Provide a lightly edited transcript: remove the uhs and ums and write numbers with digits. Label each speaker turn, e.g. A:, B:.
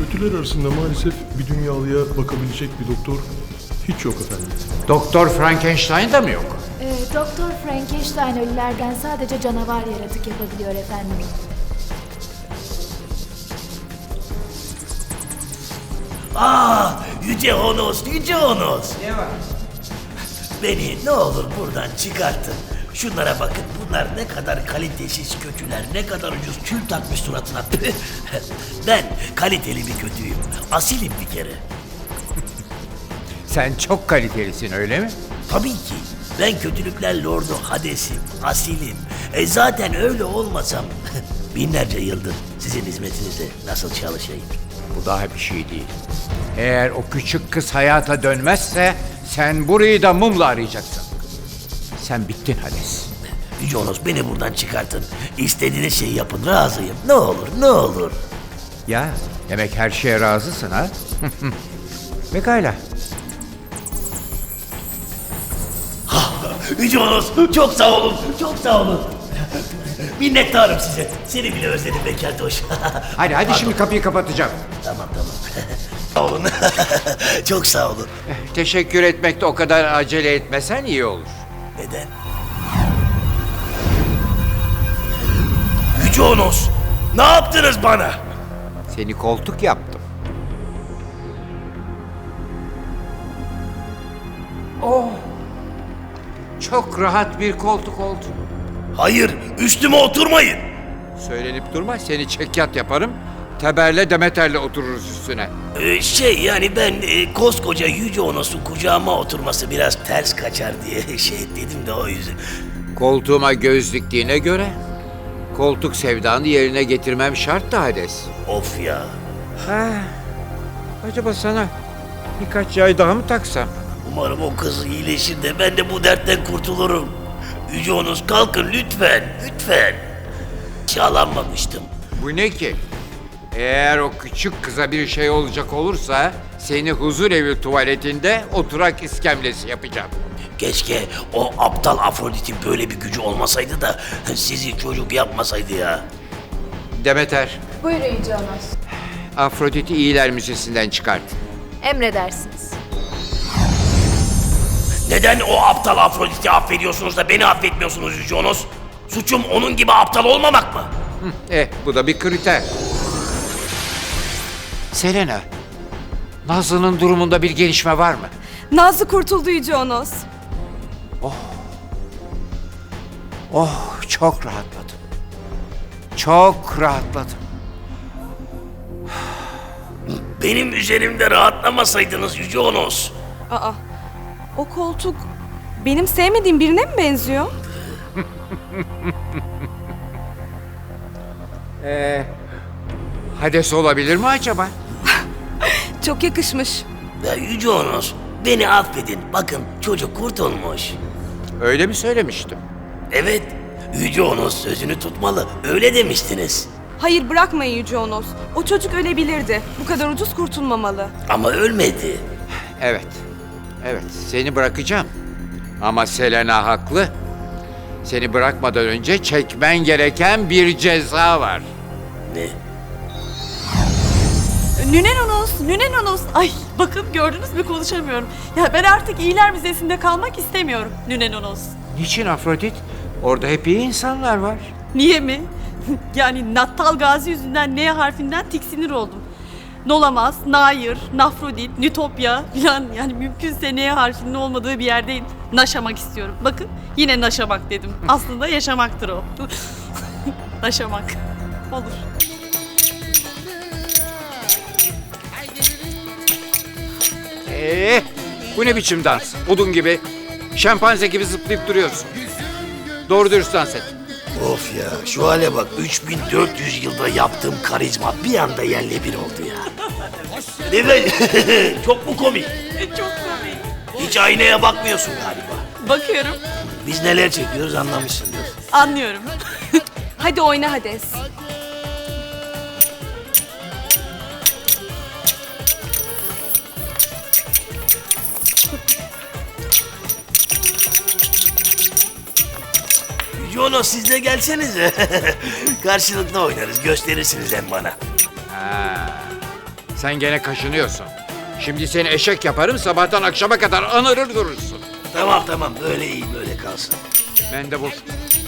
A: Kötüler arasında maalesef bir dünyalıya bakabilecek bir doktor hiç yok efendim.
B: Doktor Frankenstein da mı yok?
C: Doktor Frankenstein ölülerden sadece canavar yaratık yapabiliyor efendim.
D: Yüce Honos, Yüce Honos.
B: Ne var?
D: Beni ne olur buradan çıkartın. Şunlara bakın, bunlar ne kadar kalitesiz kötüler, ne kadar ucuz kül takmış suratına. Püh! Ben kaliteli bir kötüyüm, asilim bir kere.
B: Sen çok kalitelisin öyle mi?
D: Tabii ki, ben kötülükler lordu Hades'im, asilim. Zaten öyle olmasam binlerce yıldır sizin hizmetinizde nasıl çalışayım?
B: Bu daha bir şey değil. Eğer o küçük kız hayata dönmezse sen burayı da mumla arayacaksın. Sen bittin Hades.
D: Yüce Honos, beni buradan çıkartın. İstediğiniz şeyi yapın, razıyım. Ne olur, ne olur.
B: Ya demek her şeye razısın ha? Pekala.
D: Yüce Honos, çok sağ olun, çok sağ olun. Minnettarım size. Seni bile özledim be Keltoş.
B: Hadi şimdi kapıyı kapatacağım.
D: Tamam. Sağ olun. Çok sağ olun.
B: Teşekkür etmekte o kadar acele etmesen iyi olur.
D: Neden? Yüce Honos, ne yaptınız bana?
B: Seni koltuk yaptım. Oh! Çok rahat bir koltuk oldu.
D: Hayır, üstüme oturmayın.
B: Söylenip durma, seni çekyat yaparım. Teberle Demeter'le otururuz üstüne.
D: Yani ben koskoca Yüce Honos'un kucağıma oturması biraz ters kaçar diye dedim de o yüzden.
B: Koltuğuma göz diktiğine göre koltuk sevdanı yerine getirmem şart da Hades.
D: Of ya.
B: Acaba sana birkaç yay daha mı taksam?
D: Umarım o kız iyileşir de ben de bu dertten kurtulurum. Yüce Honos, kalkın lütfen, lütfen. Yağlanmamıştım.
B: Bu ne ki? Eğer o küçük kıza bir şey olacak olursa seni huzur evi tuvaletinde oturak iskemlesi yapacağım.
D: Keşke o aptal Afrodit'in böyle bir gücü olmasaydı da sizi çocuk yapmasaydı ya.
B: Demeter,
C: Buyurun Yüce Honos.
B: Afrodit'i iyiler müzesinden çıkart.
C: Emredersiniz.
D: Neden o aptal Afrodit'i affediyorsunuz da beni affetmiyorsunuz Yüce Honos? Suçum onun gibi aptal olmamak mı?
B: Bu da bir kriter. Selena, Nazlı'nın durumunda bir gelişme var mı?
E: Nazlı kurtuldu Yüce Honos.
B: Çok rahatladım. Çok rahatladım.
D: Benim üzerimde rahatlamasaydınız Yüce Honos.
E: Aa, o koltuk benim sevmediğim birine mi benziyor?
B: Hades olabilir mi acaba?
E: Çok yakışmış.
D: Ya Yüce Honos, beni affedin. Bakın çocuk kurtulmuş.
B: Öyle mi söylemiştim?
D: Evet, Yüce Honos sözünü tutmalı. Öyle demiştiniz.
E: Hayır, bırakmayın Yüce Honos. O çocuk ölebilirdi. Bu kadar ucuz kurtulmamalı.
D: Ama ölmedi.
B: Evet. Seni bırakacağım. Ama Selena haklı. Seni bırakmadan önce çekmen gereken bir ceza var.
D: Ne?
F: Nünen Honos. Ay bakın gördünüz mü konuşamıyorum. Ya ben artık iyiler müzesinde kalmak istemiyorum Nünen Honos.
B: Niçin Afrodit? Orada hep iyi insanlar var.
F: Niye mi? Yani Nattal Gazi yüzünden N harfinden tiksinir oldum. Nolamaz, Nair, Nafrodit, Nütopya falan yani mümkünse N harfinin olmadığı bir yerde naşamak istiyorum. Bakın yine naşamak dedim. Aslında yaşamaktır o. Naşamak. Olur.
B: Bu ne biçim dans? Odun gibi, şempanze gibi zıplayıp duruyorsun. Doğru dürüst dans et.
D: Of ya, şu hale bak. 3400 yılda yaptığım karizma bir anda yerle bir oldu ya. Değil mi? Çok mu komik?
F: Çok komik.
D: Hiç aynaya bakmıyorsun galiba.
F: Bakıyorum,
D: Biz neler çekiyoruz anlamışsındır.
F: anlıyorum.
E: Hadi oyna Hades.
D: Jono, siz de gelsenize. Karşılıklı oynarız, gösterirsiniz hem bana.
B: Sen gene kaşınıyorsun. Şimdi seni eşek yaparım, sabahtan akşama kadar anırır durursun.
D: Tamam tamam, böyle iyi, böyle kalsın.
B: Mendebur,